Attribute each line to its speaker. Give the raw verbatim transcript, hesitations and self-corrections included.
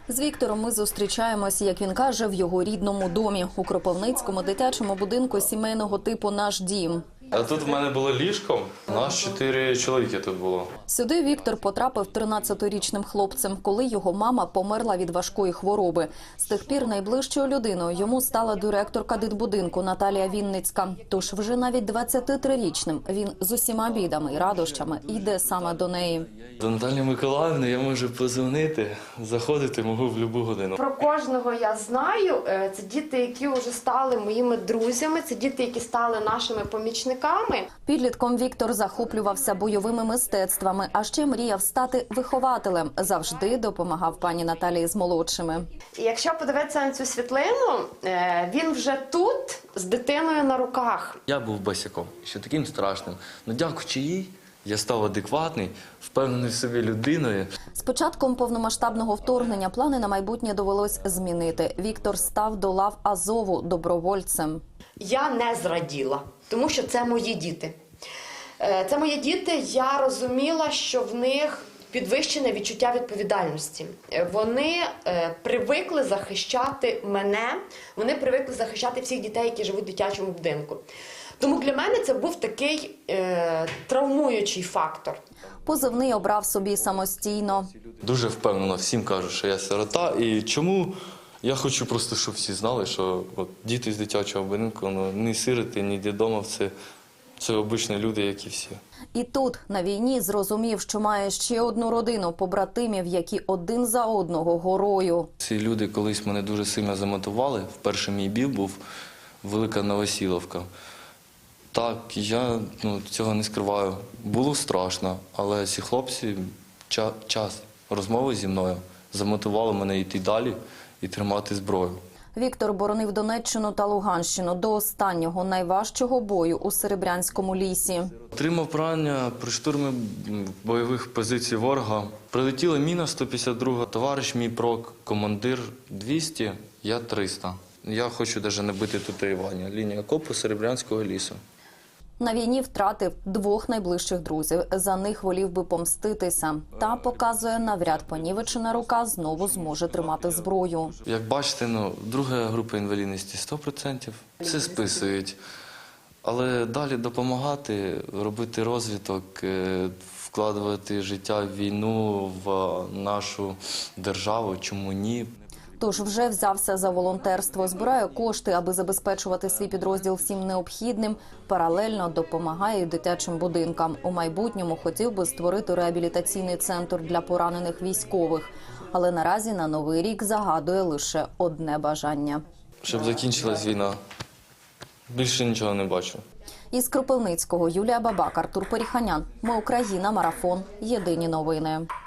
Speaker 1: З Віктором ми зустрічаємось, як він каже, в його рідному домі у Кропивницькому дитячому будинку сімейного типу «Наш дім».
Speaker 2: А тут в мене було ліжко, нас чотири чоловіки тут було.
Speaker 1: Сюди Віктор потрапив тринадцятирічним хлопцем, коли його мама померла від важкої хвороби. З тих пір найближчою людиною йому стала директорка дитбудинку Наталія Вінницька. Тож вже навіть двадцятитрирічним він з усіма бідами і радощами йде саме до неї.
Speaker 2: До Наталії Миколаївни я можу подзвонити, заходити можу в будь-яку годину.
Speaker 3: Про кожного я знаю. Це діти, які вже стали моїми друзями, це діти, які стали нашими помічниками.
Speaker 1: Підлітком Віктор захоплювався бойовими мистецтвами, а ще мріяв стати вихователем. Завжди допомагав пані Наталії з молодшими.
Speaker 3: І якщо подивитися на цю світлину, він вже тут з дитиною на руках.
Speaker 2: Я був босиком, ще таким страшним. Ну, дякуючи їй, я став адекватний, впевнений в собі людиною.
Speaker 1: З початком повномасштабного вторгнення плани на майбутнє довелось змінити. Віктор став до лав Азову добровольцем.
Speaker 3: Я не зраділа, тому що це мої діти. Це мої діти, я розуміла, що в них підвищене відчуття відповідальності. Вони привикли захищати мене, вони привикли захищати всіх дітей, які живуть в дитячому будинку. Тому для мене це був такий е, травмуючий фактор.
Speaker 1: Позивний обрав собі самостійно.
Speaker 2: Дуже впевнено всім кажу, що я сирота. І чому? Я хочу просто, щоб всі знали, що от, діти з дитячого будинку, ну, ні сироти, ні дідомов, це, це обичні люди, як і всі.
Speaker 1: І тут, на війні, зрозумів, що має ще одну родину побратимів, які один за одного горою.
Speaker 2: Ці люди колись мене дуже сильно замотивували. Вперше мій бій був Велика Новосіловка. Так, я ну, цього не скриваю. Було страшно, але ці хлопці ча час розмови зі мною замотивували мене йти далі і тримати зброю.
Speaker 1: Віктор боронив Донеччину та Луганщину до останнього найважчого бою у Серебрянському лісі.
Speaker 2: Отримав поранення при штурмі бойових позицій ворога. Прилетіла міна сто п'ятдесят друга, товариш мій прок, командир двісті, я триста. Я хочу навіть не бити татуювання. Лінія окопу Серебрянського лісу.
Speaker 1: На війні втратив двох найближчих друзів. За них волів би помститися. Та, показує, навряд понівечена рука знову зможе тримати зброю.
Speaker 2: Як бачите, ну, друга група інвалідності сто відсотків. Це списують. Але далі допомагати, робити розвиток, вкладувати життя в війну, в нашу державу, чому ні?
Speaker 1: Тож вже взявся за волонтерство, збирає кошти, аби забезпечувати свій підрозділ всім необхідним. Паралельно допомагає й дитячим будинкам. У майбутньому хотів би створити реабілітаційний центр для поранених військових. Але наразі на Новий рік загадує лише одне бажання.
Speaker 2: Щоб закінчилась війна. Більше нічого не бачу.
Speaker 1: Із Кропивницького Юлія Бабак, Артур Періханян. Ми Україна. Марафон. Єдині новини.